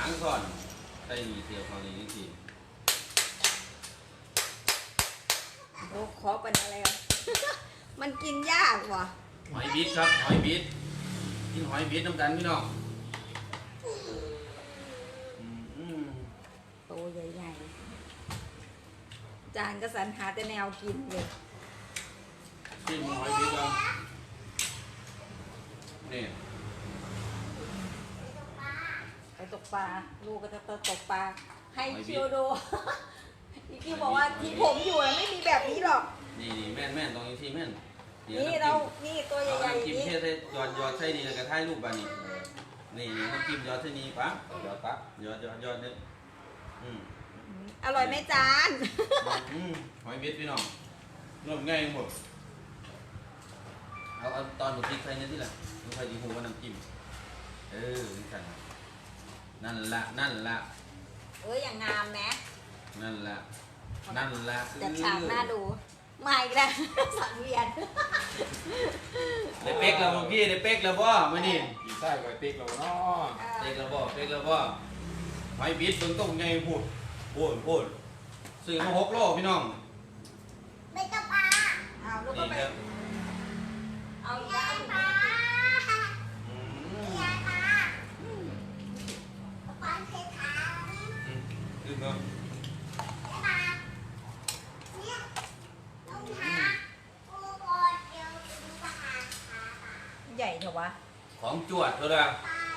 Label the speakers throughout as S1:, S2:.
S1: หางก่อนใส่ดีเทียวของนี้ที
S2: โอ้ขอเป็นอะไรอ่ะ มันกินยากว่ะ
S1: หอยบิดครับหอยบิดกินหอยบิดน้ำกันพี่น้อง
S2: โตใหญ่ๆจานก็สรรหาแต่แนวกินเลย
S1: กินหอยบิดแล้วนี่
S2: ไปตกปลาลูกก็จะตกปลาให้เชียวดูอีคิวบอกว่าที่ผมอยู่ไม่มีแบบนี้หรอก
S1: นี่แม่นตรงนี้ที่แม่น
S2: นี่เรานี่ตัวใหญ่ๆ
S1: นี่กินเทยอดใส่นี่แล้วก็ถ่ายรูปบ้านี่นี่น้ำจิ้มยอดใส่นี่ปั๊บยอดปั๊บยอดเนี่ย
S2: อร่อยไหมจาน
S1: หอยเม็ดพี่น้องรวมง่ายหมดเอาตอนหมดพริกใส่เนี่ยที่ละลูกใครดีหูว่าน้ำจิ้มนี่กันนั่นละ
S2: อย่างงามไหม
S1: นั่นละ
S2: จัดฉากหน้าดูมาอีกแล้วสังเวียน
S1: ได้เป๊กแล้วพี่ได้เป๊กแล้วบ่มานี่
S3: กี่ไส้ไว้เป๊กแล้วเนาะ
S1: เป๊กแล้วบ่หอยบิดต้องไงพูดซื้อมา6 โลพี่น้อง
S2: ไม่ต้องปลาเอาลูกก็ไปเอาอีกแล้วปลา
S1: ดึงเนาะ
S2: ใหญ่เถอะวะ
S1: ของจวดเถอะละ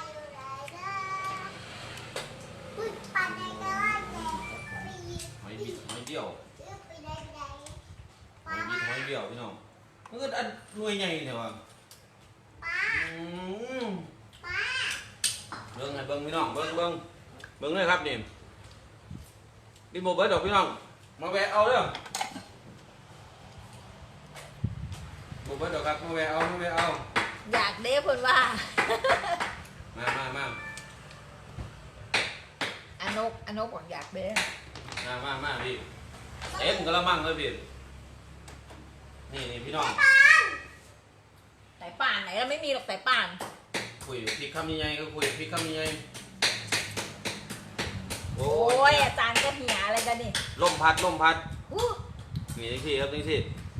S1: หอยบิดหอยเดี่ยวพี่น้องมันก็อันหน่วยใหญ่เนี่ยวะเบิ่งให้เบิ่งพี่น้องเบิ่งเลยครับนี่กินหมดเบิดดอกพี่น้องมาแวะเอาเด้อหมดเบิดดอกครับมาแวะเอา
S2: อยากเด้เพิ่นว่า
S1: มา
S2: อนกบอกอยากเด้
S1: มาพี่เต็มกระมังเลยพี่นี่พี่น้อง
S2: สายป่านไหนเราไม่มีหรอกสายป่าน
S1: คุยพริกคำใหญ่ก็คุยพริกคำใหญ่
S2: โอ้ยอาจารย์ก็เหี่ยอะไรกันนี่
S1: ลมพัดนี่ที่ครับนี่ที่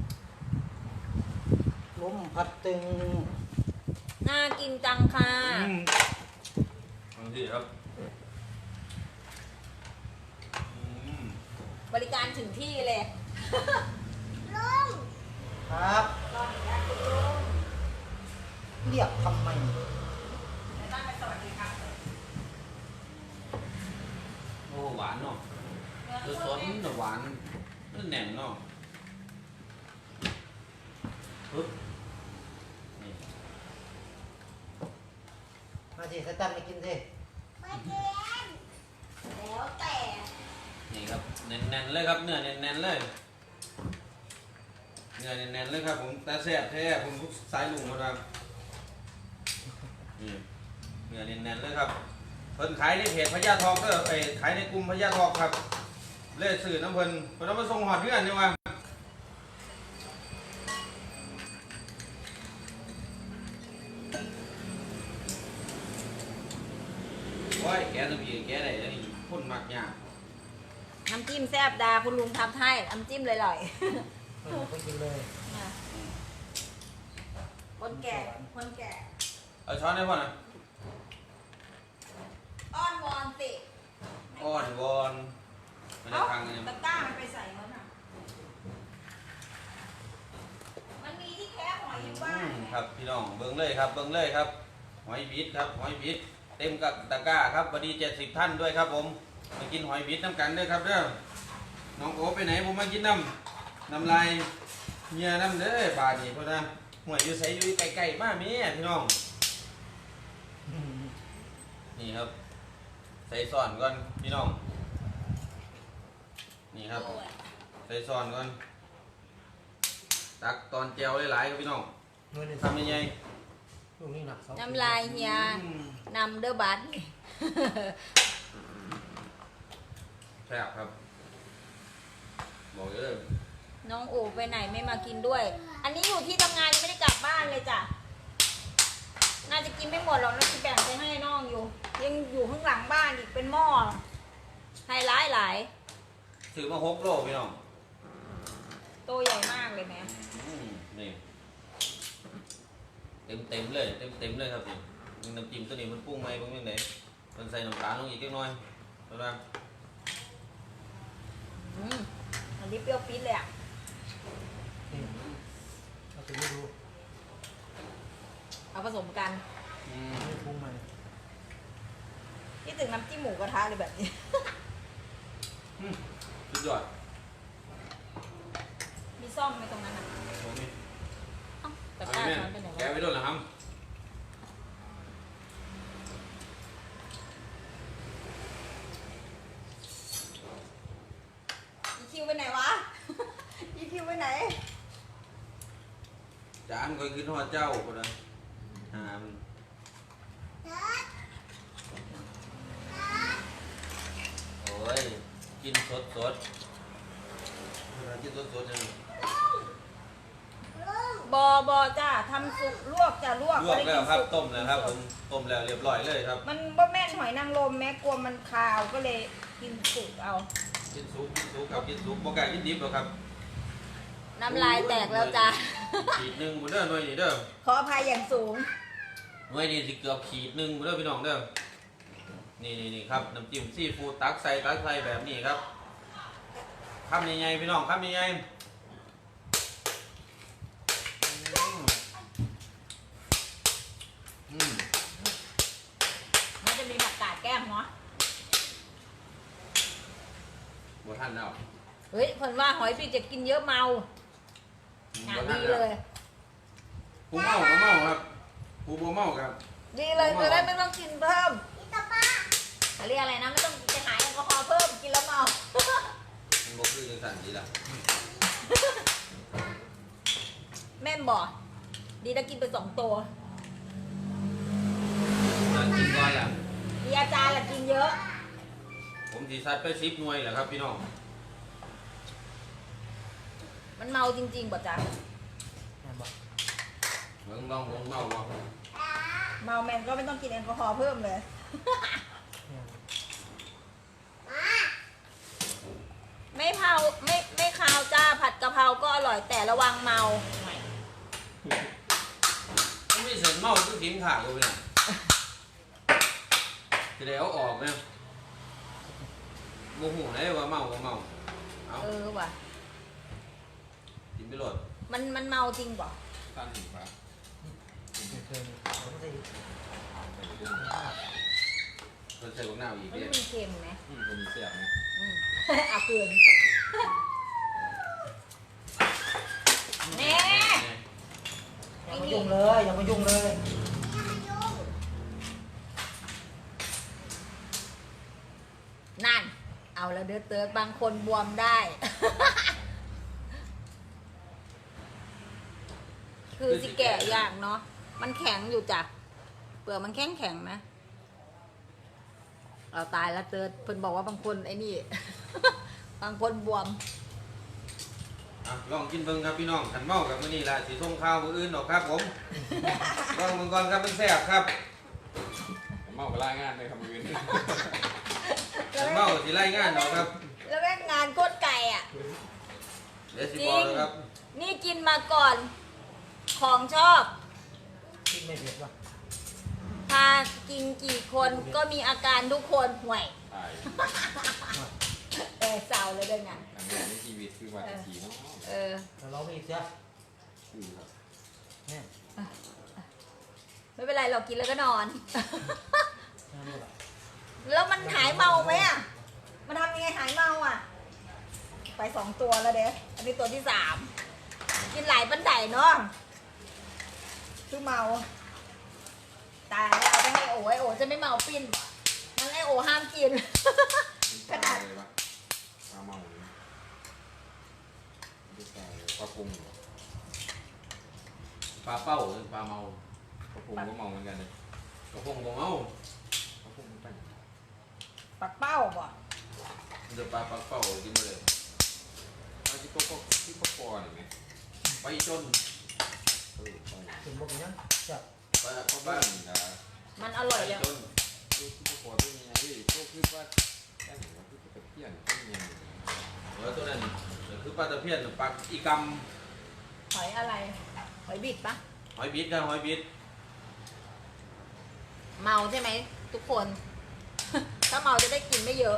S3: ลมพัดตึง
S2: น่ากินจังค่ะ
S1: นี่ที่ครับ
S2: บริการถึงที่เลยลุง
S3: ครับเรียกทำไม
S2: สวัสดีครับ
S1: โอ้หวานเนาะคือสดหวานแน่นเนาะ
S3: มาสิสตันมากินสิ
S2: ไม่กินแล้วแต่
S1: นี่ครับแน่นๆเลยครับเนื้อแน่นๆเลยครับผมตาแซ่บแท้ผมสายลุงมาครับนี่เนื้อแน่นๆเลยครับเพิ่นขายในเพจพญาทองก็ไปขายในกลุ่มพญาทองครับเล่สื่อน้ำเพิ่นเอามาส่งหอดเพื่อนนี่ว่าโอ้ยแกต้องมีแกได้แล้วนี่คนมักยาก
S2: น้ำจิ้มแซ่บดาคุณลุงทำให้น้ำจิ้มเลยอร่อย
S3: คนกินเลย
S2: คนแก่
S1: เอาช้อนได้ป่ะนะ
S2: อ้อนวอนสิ
S1: อ้อนวอนมันจะพังไง
S2: ตะกร้ามันไปใส่มันอ่ะมันมีที่แค่หอยอยู่บ้าน
S1: ครับพี่น้องเบิ้งเลยครับหอยบิดครับหอยบิดเต็มกับตะกร้าครับพอดี70 ท่านด้วยครับผมมากินหอยบิดน้ำกันด้วยครับเด้อน้องโอไปไหนผมมากินน้ำลายเมียน้ำเด้อบาดนี่เพราะนะหวยอยู่ใส่อยู่ไกลๆมากมีพี่น้องนี่ครับใส่ซ่อนก่อนพี่น้องนี่ครับใส่ซ่อนก่อนตักตอนเจียวหลายๆครับพี่น้องทำยังไง
S2: น้ำลายเฮียนำเด้อบัต
S1: แซ่บครับบอกเลย
S2: น้องโอไปไหนไม่มากินด้วย อันนี้อยู่ที่ทำงานยังไม่ได้กลับบ้านเลยจ้ะน่าจะกินไม่หมดหรอกน่าจะแบ่งไปให้น้องอยู่ยังอยู่ข้างหลังบ้านอีกเป็นให้หลายหลาย
S1: ซื้อมา6 โลพี่น้อง
S2: ตัวใหญ่มากเลยแม่
S1: นี่เต็มเลยเต็มเลยครับนี่น้ำจิ้มตัวนี้มันปรุงไหมปรุงยังไงมันใส่น้ำตาลลงอีกเล็กน้อยเท่านั้น
S2: อันนี้เปรี้ยวปี๊ดเลยอ่ะ
S3: นี่เราจะไม่รู้
S2: เอาผสมกัน
S3: ไม่ปรุงมัน
S2: ที่ถึงน้ำจิ้มหมูกระทะเลยแบบนี้
S1: สุดยอด
S2: มีซ่อมไหมตรงนั้นอ่ะ
S1: โอ้ย
S2: เอ้าแต่
S1: เอา
S2: ก้า
S1: แม่
S2: ช้อนไปไหน
S1: แกะ
S2: วะ
S1: ไว้ด้วยเหรอครับ
S2: อีคิวไปไหนวะ อีคิวไปไหน
S1: จานก็คือทอดเจ้าคนละหามโอ้ยกินสดกินสดยัง
S2: บอจ้าทำสุกลวกจ้าลวก
S1: ลวกแล้วครับ
S2: ไม่ได้กินสุ
S1: ต้มแล้วครับผมต้มแล้วเรียบร้อยเลยครับ
S2: มันบ่แม่นหอยนางรมแม้กลัวมันคาวก็เลยกินสุกเอา
S1: กินซุปครับกินซุปบ่ไก่กินดิบหรอกครับ
S2: น้ำลายแตกแล้วจ้า
S1: ขีดหนึ่งบุเด้อหน่วยนี่เด้อ
S2: ขออภัยอย่างสูง
S1: หน่วยนี่สิเกือบขีดหนึ่งบุเด้อพี่น้องเด้อนี่ครับน้ำจิ้มซีฟู้ดตักใส่แบบนี้ครับคำใหญ่ๆพี่น้องคำใหญ่ๆอืม
S2: มันจะมีผักกาดแก้มเนาะ
S1: บ่ทันแล้ว
S2: เฮ้ยคนว่าหอยพี่จะกินเยอะเมาหาดีเลย
S1: ผู้เมาก็เมาครับผู้บ่เมาครับ
S2: ดีเลยจะได้ไม่ต้องกินเพิ่มเรียกอะไรนะไม่ต้องจะหายแอลกอฮอล์เพิ่มกินแล้วเมา
S1: มันบ่คือจังซั่นดีล่ะ
S2: แม่นบอกดีถ้ากินไป2 ตัว
S1: จะกินก่อนล่ะ
S2: มีอาจารย์แหละกินเยอะ
S1: ผมสิซัดไป10 หน่วยแหละครับพี่น้อง
S2: มันเมาจริงๆบ่จ๊ะ
S3: แม่บอก
S1: เบิ่งลองเมาบ่
S2: เมาแมนก็ไม่ต้องกินแอลกอฮอล์เพิ่มเลย
S3: แม่บอก
S2: ไม่เผาไม่คาวจ้าผัดกะเพราก็อร่อยแต่ระวังเมา
S1: มันมีเส้นเมาคือกินขาดอยู่เนี่ยสิได้เอาออกเนี่ยบ่ฮู้ไหนว่าเมาบ่เมาเอา
S2: ว่ะ
S1: กินไปโลด
S2: มันเมาจริงบ่
S1: ท่านถึงครับ
S3: ไม่เคยผมไม่ได้
S1: เพิ่นใส่บักนาวอีก
S2: มัน
S1: เด้
S2: มีเค็มไหม
S1: คนมีเสียบนะ
S2: เอาเกินแน่
S3: อย่ามายุ่งเลยอย่ามายุ่งเลย
S2: นั่น เอาแล้วเดือดเติร์ดบางคนบวมได้ คือสิแก่ยากเนาะมันแข็งอยู่จ้ะเปลือกมันแข็งนะเราตายแล้วเติร์ดเพิ่นบอกว่าบางคนไอ้นี่ บางคนบวม
S1: อ่ะลองกินเบิ่งครับพี่น้องขันเมากับมื้อนี้ล่ะสิส่งข้าวมื้ออื่นดอกครับผม ลองเบิ่งก่อนครับมันแซ่บครับ
S4: เมาก็ล่างานเลยครับมือนี้
S1: ขันเมาสิไล่งานดอกครับ
S2: แล้วแม่งงานโคตรไก่อ่ะ
S1: เดี๋ยวสิบอกนะครับ
S2: นี่กินมาก่อน ของชอบ
S3: คิดไม่เผ็ดว่ะ
S2: ถ้ากินกี่คนก็มีอาการทุกคนห่วย
S4: ตาย
S2: เศร้าเลยด้วยไง
S4: ทำงานในชีวิตคือว่าจะขี่เนาะ
S3: เราร้องอีกเสีย
S4: คือครับ
S3: แม่
S2: ไม่เป็นไรเรากินแล้วก็นอน
S3: แม่รู้ป่ะ
S2: แล้วมันหายเมาไหมอ่ะ มันทำยังไงหายเมาอ่ะ ไป2 ตัวแล้วเด้อันนี้ตัวที่3กินหลายปันไดเนาะคือเมาตายแล้วเอาไปให้โอ้ยโอ้จะไม่เมาปิ้นมันไอโอห้ามกิน
S4: ปลาเลยวะปลาเมาเลยไม่ใช่ปลาปรุงเหรอ
S1: ปลาเป้าหรือปลาเมา
S4: ปลาปรุงก็เมาเหมือนกันเลย
S1: กระพงบ่เมา
S4: ปลาปรุงมันไป
S2: ปักเป้าบ่
S1: เดี๋ยวปลาปักเป้ากินมาเลย
S4: ปลาที่โป๊กที่ป๊อกปอนี่ไหม
S1: ไปจน
S4: เออปลา
S3: ถึงบอกอย่างนั้นจับ
S1: ปลา
S4: ปลา
S1: บ้า
S4: บ้าน นนะ
S2: มันอร่อย
S1: ไป
S2: แล้ว
S1: จน
S4: ลูกที่ป๊อกปอเป็นยังไงที่พวกคือว่าได้หรือว่าที่ปกเที่ยงยัง
S1: ตัวนั้นคือปลาตะเพียนปลาอีก
S2: หอยอะไรหอยบิดปะ
S1: หอยบิดครับหอยบิด
S2: เมาใช่ไหมทุกคน ถ้าเมาจะได้กินไม่เยอะ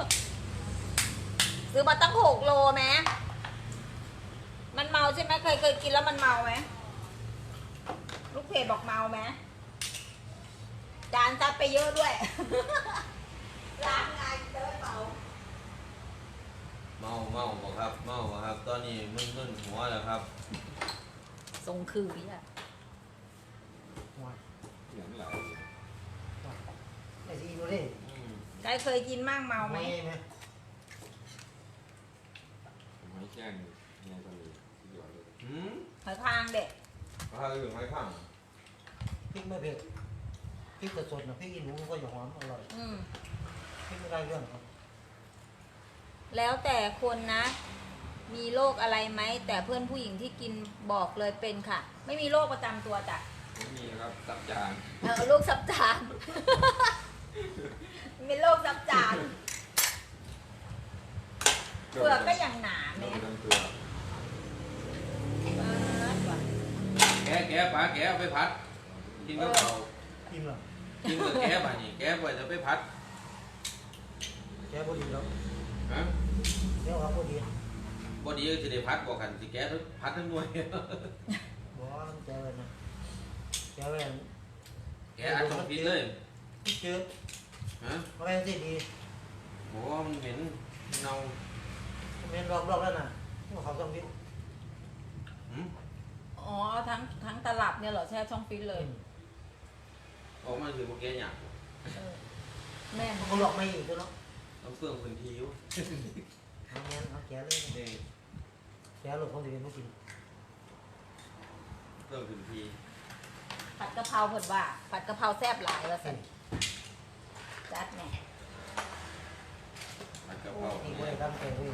S2: ซื้อมาตั้ง6 โลไหมมันเมาใช่ไหมเคยกินแล้วมันเมาไหมลูกเพจบอกเมาไหมจานซัดไปเยอะด้วย ล้างงานเจอเมา
S1: เมาบอกครับเมาบ่ครับ ตอนนี้มึนหัวแล้วครับ
S2: ทรงคืออ่ะ
S3: หัว
S4: เที่ยงหลาย
S3: ไอ้ที่ดูดิ
S2: ใครเคยกินมั่งเมาไหม
S3: ไหม
S4: ไม้แจ้งเนี่ยก็มีที่หยอดเลย
S2: หอยคางเด็ก
S1: ปลาอยู่ไม้ข้าง
S3: พริกไม่เผ็ดพริกสดๆนะพริกอีหนูมันก็จะหอมอร่อย
S2: อืม
S3: พริกไม่ได้เรื่องครับ
S2: แล้วแต่คนนะ มีโรคอะไรไหมแต่เพื่อนผู้หญิงที่กินบอกเลยเป็นค่ะ ไม่มีโรคประจำตัวจ้ะ
S4: ไม่มีครับตับจาน
S2: โรคซับจาน มีโรคซับจานเปลือกก็อย่างหนา
S4: โด
S2: แม่
S4: นทั้งตัว
S1: แกะปลาแกะเอาไปผัดกินกับเขา
S3: กินหรอ
S1: กินกับแกะป่ะนี่แกะไปจะไปผัด
S3: แกพอดีแล้ว
S1: ฮะ
S3: แกว่าพอดี
S1: บ่ดีก็จะได้ผัดบอกกันสิแกะผัดทั้งหน่วย
S3: บอกว่าแกเลยนะแกเลย
S1: แกะอัดต้องพิษเลย
S3: พี่เจอ
S1: ฮะ
S3: อะไรที่ดี
S1: โอ้มันเหม็นเน่า
S3: เมนรอบแล้วนะเขาต้องพิษ
S1: หืม
S2: อ๋อทั้งตลับเนี่ยเหรอแช่ช่องฟิตเลย
S1: ออกมาคือพวกแกะหยาบ
S2: เออแม่น
S3: เขาหลอกไม่อยู่ตัวเนาะ
S1: ต้องเฟื่องพื้นที่อยู่
S3: เอาแกเอาแกเลย
S1: นี่
S3: แกหลบเขาจะเป็นไม่กิน
S1: เฟื่องพื้นที่
S2: ผัดกะเพราเผิดว่าผัดกะเพราแซ่บหลายว่าสิจัดแหน่
S1: ผัดกะเพรา
S3: นี่
S1: เนี่ย
S3: ก็ได้ทำแกเลย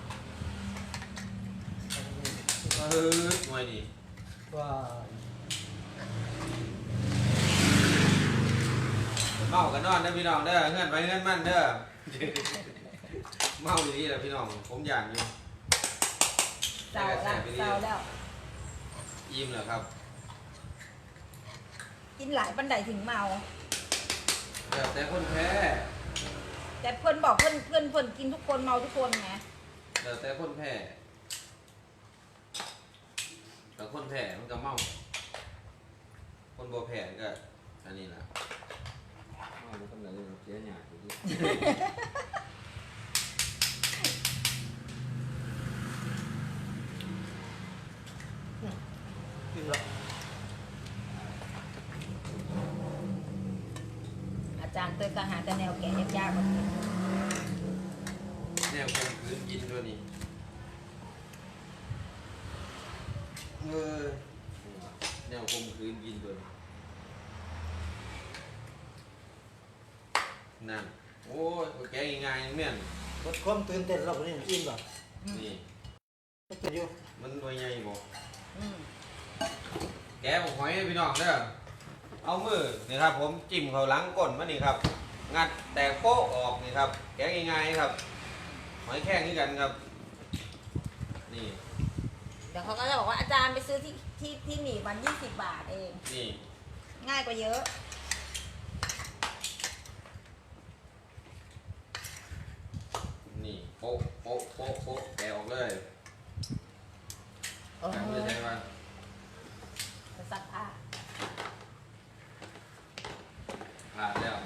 S1: หน่วยนี่
S3: ว่า
S1: เมากันนอนเด้อพี่น้องเด้อเงื่อนไปเงื่อนมั่นเด้อ เมาอยู่นี่แหละพี่น้องผมอยากอยู่
S2: เศร้าแล้วเศร้าแล้ว
S1: อิ่มเหรอครับ
S2: กินหลายปันไดถึงเมา
S1: แต่คนแพ้
S2: แต่เพื่อนบอกเพื่อนกินทุกคนเมาทุกคนไง
S1: แต่คนแพ้แต่คนแพ้มันก็เมา คนบ่แพ้ก็อันนี้แหละ
S4: เอาไปทำอะไรเลยเสียหยาดอยู่ที่
S3: กินหรอ
S2: อาจารย์เตยกระหาแต่แนวแก่ยากๆแบบนี้
S1: แนวคมคืนกินด้วยนี่แนวคมคืนกินด้วยนั่นโอ้ยแกง่ายๆแม่น
S3: ลดความตื่นเต้นเราคนนี้อิ่มหรอ
S1: นี่
S3: ก็จะอยู่
S1: มันหน่วยใหญ่บ่
S2: อืม
S1: แกะหอยให้พี่น้องเด้อเอามือนี่ครับ ผมจิ้มเขาหลังก้นมานี่ครับ งัดแตกโป๊ะออกนี่ครับ แกะง่ายๆครับ หอยแข้งนี่กันครับ นี่
S2: เดี๋ยวเขาก็จะบอกว่าอาจารย์ไปซื้อที่หนีวัน20 บาทเอง
S1: นี่
S2: ง่ายกว่าเยอะ
S1: นี่โป๊ะโป๊ะโป๊ะโป๊ะแกะออกเลย
S2: เออ
S1: แกะไม่ใช่ว่า
S2: จะซักผ้า
S1: ผ่านแล้ว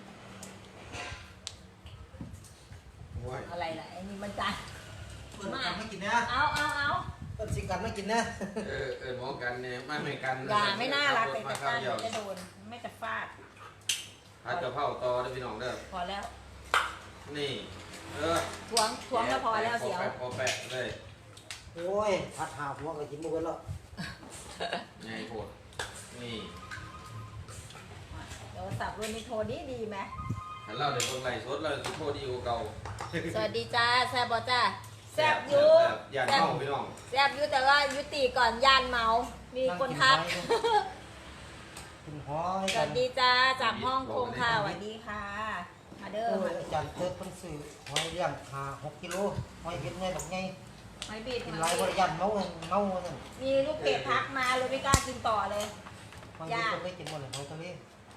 S1: โอ้ย
S2: อะไรล่ะไอ้นี่มันจาน
S3: เปิดกันไม่กินนะ
S2: เอา
S3: เปิดสิกันไม่กินนะ
S1: หมอกันเนี่ยไม่กัน
S2: อย่าไม่น่ารักเลย
S1: มา
S2: แต่
S1: ข้าว
S2: จาน
S1: เดียว
S2: จะโดนไม่จะฟาด
S1: ผัดกะเพราต่อเด้อพี่น้องเด้อ
S2: พอแล้ว
S1: นี่
S2: ทวงแล้วพอแล้วเสียว
S1: พอแปะเลย
S3: โอ้ยผัดหาหัวก็กินบ่เบิดแล้ว
S1: ไงโคตรนี่
S2: เดี๋ยวสับรุ่นนี้โทรดีไหม
S1: ถ้าเราเดี๋ยวคนไล่สดเราจะโทษดีกว่าเก่า
S2: สวัสดีจ้าแซบบอจ้าแซบอยู
S1: อย่า
S2: แซบ
S1: เมาพี่น้อง
S2: แซบอยูแต่ว่ายุติก่อนย่านเมา มีคนทัก
S3: กินหอย
S2: สวัสดีจ้าจากห้องคงค่ะสวัสดีค่ะ มาเด้อ
S3: โอ้
S2: มาย
S3: อาจารย์เติร์ดเพิ่นซื้อหอยเลี้ยง6 กิโลหอยเฮ็ดไงดอกไง
S2: หอยบีด
S3: กินหลายบ่ได้ยันเมานั่น
S2: มีลูกเพจทักมาเลยไม่กล้ากินต่อเลย
S3: หอยเฮ็ดเพิ่นได้กินหมดเลยหอยทะเล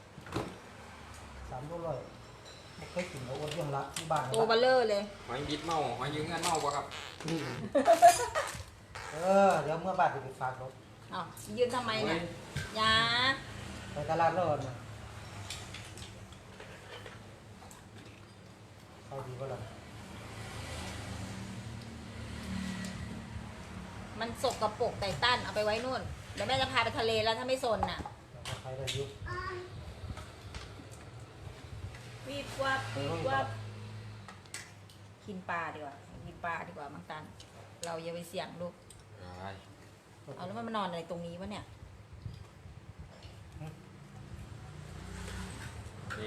S3: 3 โลร้อยบ่เคยกินแล้วอ้วนเรื่องละที่บ้าน
S2: ตัวเบลเลอร์เลย
S4: หอยบิดเมาหอยยืงเงินเมาปะครับ
S3: เดี๋ยวเมื่อบ้านไปฝากรถ
S2: อ้าวยืนทำไมเนี่ยยา
S3: ไปตลาดแล้วนะเอาดีบ่ล่ะ
S2: มันสกปรกไต่ตันเอาไปไว้นู่นเดี๋ยวแม่จะพาไปทะเลแล้วถ้าไม่สนน่ะ
S3: ใครได้อยู่
S2: วีบวับวีบวับกินปลาดีกว่ากินปลาดีกว่ามังตัน เราอย่าไปเสี่ยงลูก เอาแล้วมันมานอนอะไรตรงนี้วะเนี่ย
S1: นี่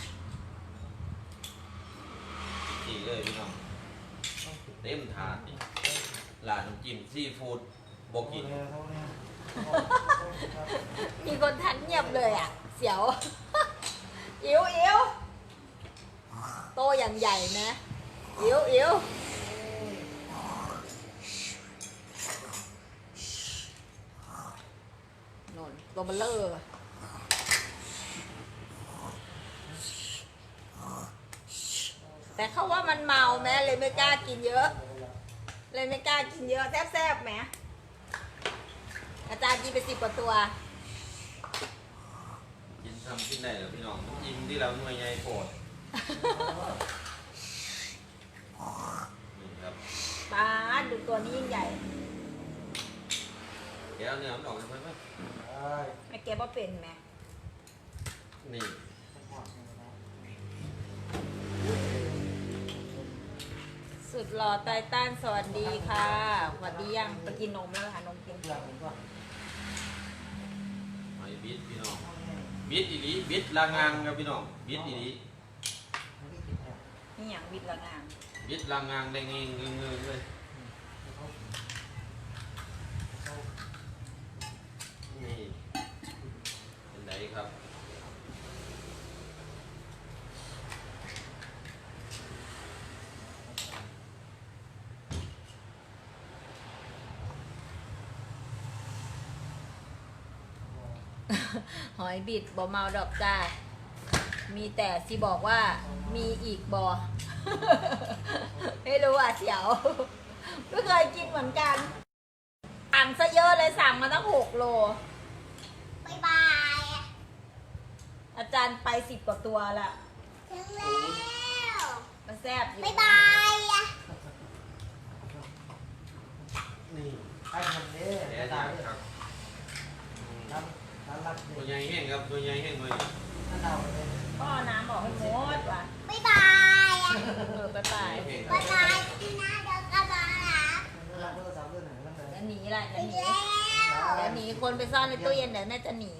S1: สี่เลยพี่น้องเต็มถาดนี่ร้านน้ำจิ้มซีฟู้ดบอกกิน
S2: มีคนทันเงียบเลยอ่ะ เสียว อิ๋วอิ๋วโตอย่างใหญ่นะอิ๋วอิ๋วโน่นตัวเบลเลอร์แต่เขาว่ามันเมาแม่เลยไม่กล้ากินเยอะ เลยไม่กล้ากินเยอะแซ่บๆไหมอาจารย์กินไป10 กว่าตัว
S1: กินทำกินได้เหรอพี่น้องน้ำจิ้มที่เราหน่วยใหญ่โปรดนี่ครับ
S2: ปลาดูตัวนี้ยิ่งใหญ่
S1: แก้วเนื้อมันออกเลยไหม
S2: ไม่เก็บว่าเป็นไหม
S1: นี่
S2: สุดหล่อไตตันสวัสดีค่ะสวัสดียังไปกินนมแล้วค่ะนมกิน
S1: หอยบิดพี่น้องบิดอีหลีบิดลางางครับพี่น้องบิดอีหลี
S2: นี่อย่างวิทย์ละงาม
S1: บิดลางางได้เงี้ยเงยเลยนี่เป็นไรครับ
S2: หอยบิดบ่เมาดอกจ้ามีแต่สิบอกว่ามีอีกบ่ ไม่รู้อ่ะเสียวไม่เคยกินเหมือนกันสั่งซะเยอะเลยสั่งมาตั้ง6 โล
S5: บ๊ายบาย
S2: อาจารย์ไป10 กว่าตัวละ
S5: ถึงแล้ว
S2: มันแซ่บอยู่
S5: บ๊ายบายอะ
S3: นี่ไอ้มันนี่
S1: แย่
S3: ตาย
S1: ครับ
S3: ร้านรับ
S1: ตัวใหญ่แห้งครับตัวใหญ่แห้งเลย
S3: นั่นเอาเลย
S2: พ่อน้ำบอกให้หมดว่ะ
S5: บ๊ายบายอะ
S2: ไปไป
S1: แห้งค
S5: บ๊า
S1: รับ
S5: ยบายที่หน้าเดี๋ยวกลับมาหา
S3: รับโทรศัพท์ด้วยหน่อยนั่นเลย
S2: แล้วหนีละจะหนี
S5: แล้ว
S2: เดี๋ยวหนีคนไปซ่อนในตู้เย็นเดี๋ยวแม่จะหนี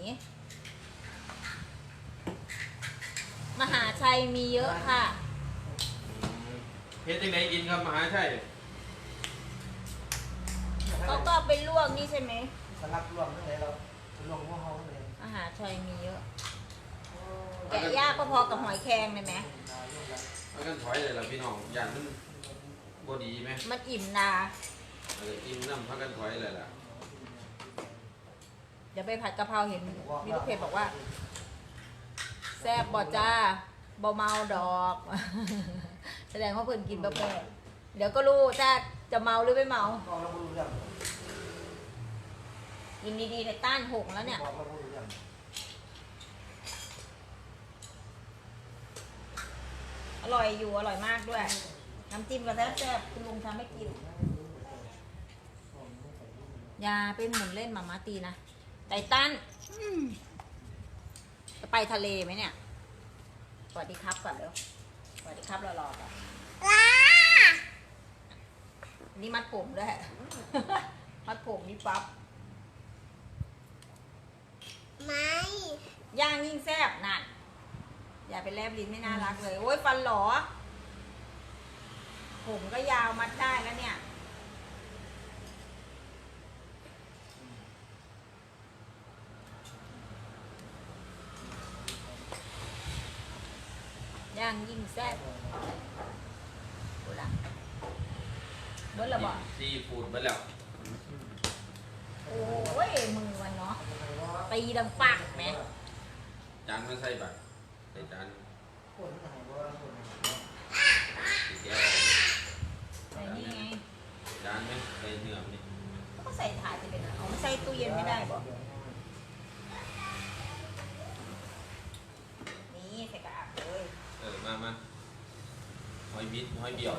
S2: มหาชัยมีเยอะค่ะ
S1: เพชรยังไงกินครับมหาชัย
S2: เขาก็เอาไปลวกนี่ใช่ไหม
S3: สลับรวมทั้งเลยเรารวมหัวเฮาทั้งเลย
S2: มหาชัยมีเยอะ แกะยากก็พอกับหอยแครงเลยไหม
S1: เอากันถอยเลยล่ะพี่น้องอย่างมันบดีไหม
S2: มันอิ่มนา
S1: อิ่มน้ำพักกันถอยเลยล่ะ
S2: เดี๋ยวไปผัดกะเพราเห็นมีลูกเพจบอกว่า แซ่บบ่จ้าบ่เมาดอก แสดงว่าเพิ่นกินบะแปะเดี๋ยวก็รู้ถ้าจะเมาหรือไม่เมา
S3: บอกเราไม่รู้เรื่อง
S2: กินดีๆในต้านหงแล้วเนี่ย
S3: บอกเราไม่รู้เรื่อง
S2: อร่อยอยู่อร่อยมากด้วย น้ำจิ้มก็แซ่บๆคุณลุงทำให้กินอย่าไปหมุนเล่นหมาม่าตีนะไตตันจะไปทะเลไหมเนี่ยสวัสดีครับก่อนเร็วสวัสดีครับรอๆก่อน
S5: ลา
S2: นี่มัดผมด้วย มัดผมนี่ปั๊บ
S5: ไม่
S2: ย่างยิ่งแซ่บนั่นอย่าไปแลบลิ้นไม่น่ารักเลย โอ้ยฟันหลอ ผมก็ยาวมัดได้แล้วเนี่ยย่างยิ่งแซ่บกูละเบิ้ลละบ่
S1: ซีฟู้ดไปแล้ว
S2: โอ้ยมือมันเนาะตีดังปักไหม
S1: จานไม่ใส่บัตรใส่จาน
S3: คนไหนว่าคน
S1: สีแก้ว
S2: ใส่นี่ไง
S1: จานไหมใส่เนื้อนี่
S2: ก็ใส่ถาดจะเป็นเอาใส่ตู้เย็นไม่ได้บ่นี่ใส่กระอักเลย
S1: มาหอยบิดหอยเบี่ยว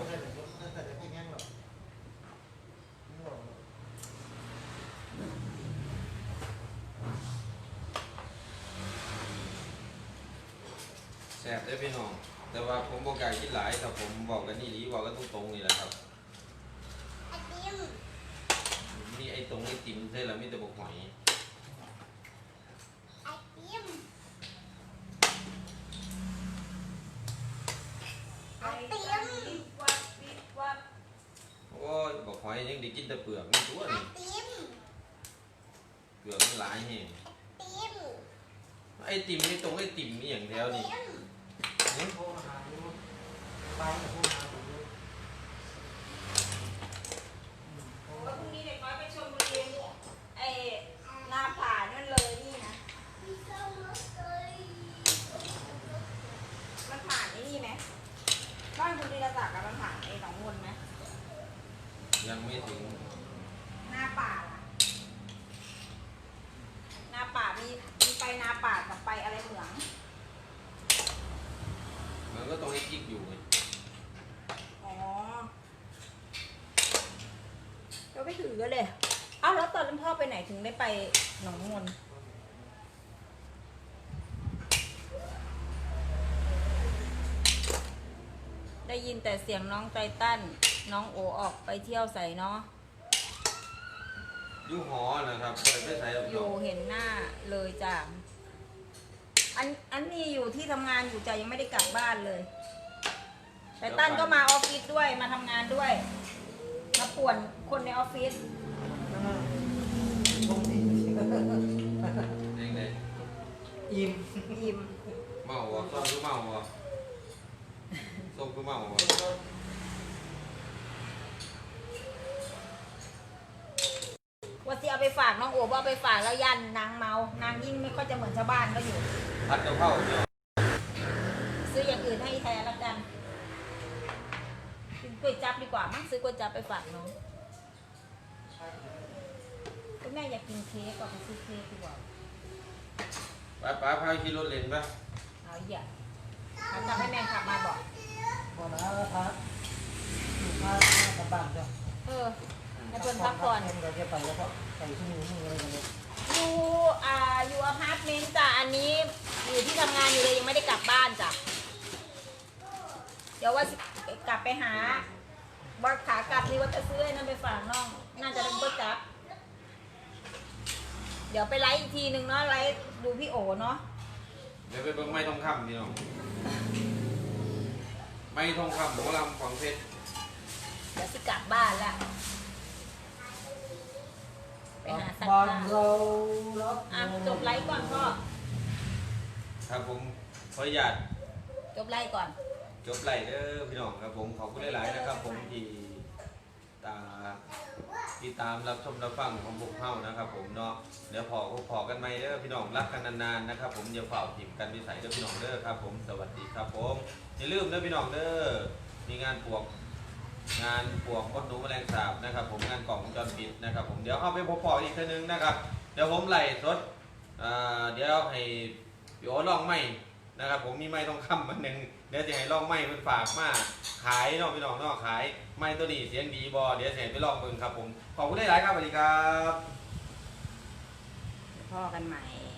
S1: แซ่บได้อพี่น้องแต่ว่าผมบอกอยากกินหลายครับผมบอกกันนี่ดีบอกกันตรงๆนี่แหละครับ
S5: ไอติม
S1: มีไอ้ตรงไอ้ติ่มใช่แล้วมีแต่บอกหอย
S5: ไอติมไอติม
S1: โอ้ยบอกหอยยังได้กินแต่เปลือกนี่ตัว
S5: ไอ
S1: นี่
S5: ติม
S1: เปลือกมันหลายแห่ง
S5: ติม
S1: ไอ้ติ่มนี่ตรงไอ้ติ่มนี่อย่างเดียวนี่
S3: โทรหาดูไปโทรหาดู
S2: ว่าพรุ่งนี้เด็กน้อยไปชลบุรีไอ้นาผ่านั่นเลยนี่นะ มันผ่านไอ้นี่ไหมบ้านคุณธีรศักดิ์อะมันผ่านไอ้หนองมนไหม
S1: ยังไม่ถึง
S2: หน้าป่าล่ะหน้าป่ามีไปนาป่ากับไปอะไรเหมือง
S1: มันก็ต้องไอ้จิกอยู่ไง
S2: อ๋อเราไปถือกันเลยเอ้าแล้วตอนนั้นพ่อไปไหนถึงได้ไปหนองมนได้ยินแต่เสียงน้องไตตันน้องโอออกไปเที่ยวใส่เนาะ
S1: อยู่หอนะครับไม่ใส่หรอก
S2: อยู่เห็นหน้าเลยจ้ะอันนี้อยู่ที่ทำงานอยู่จ้ะยังไม่ได้กลับบ้านเลยไตตันก็มาออฟฟิศด้วยมาทำงานด้วยมาป่วนคนในออฟฟิศ
S3: ตรงนี้
S1: ยังไง
S3: อิ่ม
S2: ยิ้ม
S1: เมาวะส้มคือเมาวะส้มคือเมาวะ
S2: ว่าที่เอาไปฝากน้องโอ๋ว่าเอาไปฝากแล้วยันนางเมานางยิ่งไม่ค่อยจะเหมือนชาวบ้านก็อยู่
S1: ผัดกะเพราเนี่ย
S2: ซื้ออย่างอื่นให้แทนแล้วกันกินก๋วยจั๊บดีกว่ามั้งซื้อก๋วยจั๊บไปฝากน้องคุณแม่อยากกินเค้กก็ไปซื้อเค้กดีกว่า
S1: ป้าพาขี่รถเล่นปะ
S2: เอาอีกอ่ะเอาจับให้แม่ขับมาบอก
S3: พอนะพักพากลับบ้านจ้ะ
S2: ให้เพิ่นพักก่อน
S3: เราจะไปแล้วก็ไปที่มืออะไรกันเลย
S2: อยู่อพาร์ตเมนต์จ้ะอันนี้อยู่ที่ทำงานอยู่เลยยังไม่ได้กลับบ้านจ้ะเดี๋ยวว่าสิกลับไปหาว่าขากลับนี่ว่าจะซื้อไอ้นั่นไปฝากน้องน่าจะเป็นก๋วยจั๊บเดี๋ยวไปไลฟ์อีกทีหนึ่งเนาะไลฟ์ดูพี่โอเนาะ
S1: เดี๋ยวไปเบิ่งไม้ทองคำพี่น้องไม้ทองคำหมอลำของเพชร
S2: เดี๋ยวสิกลับบ้านละไปหาสัตว์
S3: บ้าน
S2: ป่า
S3: เรารับ
S2: จบไลฟ์ก่อนพ่อ
S1: ครับผมขออนุญาต
S2: จบไลฟ์ก่อน
S1: จบไล่เด้อพี่น้องครับผมขอบคุณหลายๆนะครับ ผมที่ตามรับชมรับฟังของพวกเฮานะครับ ผมเนาะเดี๋ยวพอกันใหม่เด้อพี่น้องรักกันนานๆนะครับ ผมอย่าเฝ้าถิ่มกันวิสัยเด้อพี่น้องเด้อครับ ผมสวัสดีครับผมอย่าลืมเด้อพี่น้องเด้อมีงานปวกมดหนูแมลงสาบนะครับ ผมงานกล่องวงจรปิดนะครับ ผมเดี๋ยวเอาไปพออีกทีนึงนะครับ เดี๋ยวผมไล่สดเดี๋ยวให้พี่โอลองไม้นะครับ ผมมีไม้ทองคำมันหนึ่งเดี๋ยวจะให้ลองไม้มันฝากมาขายเนาะพี่น้องเนาะขายไม้ตัวนี้เสียงดีบอเดี๋ยวจะให้ไปลองเบิ่งครับผมขอบคุณหลายๆครับสวัสดีครับ
S2: พ่อกันใหม่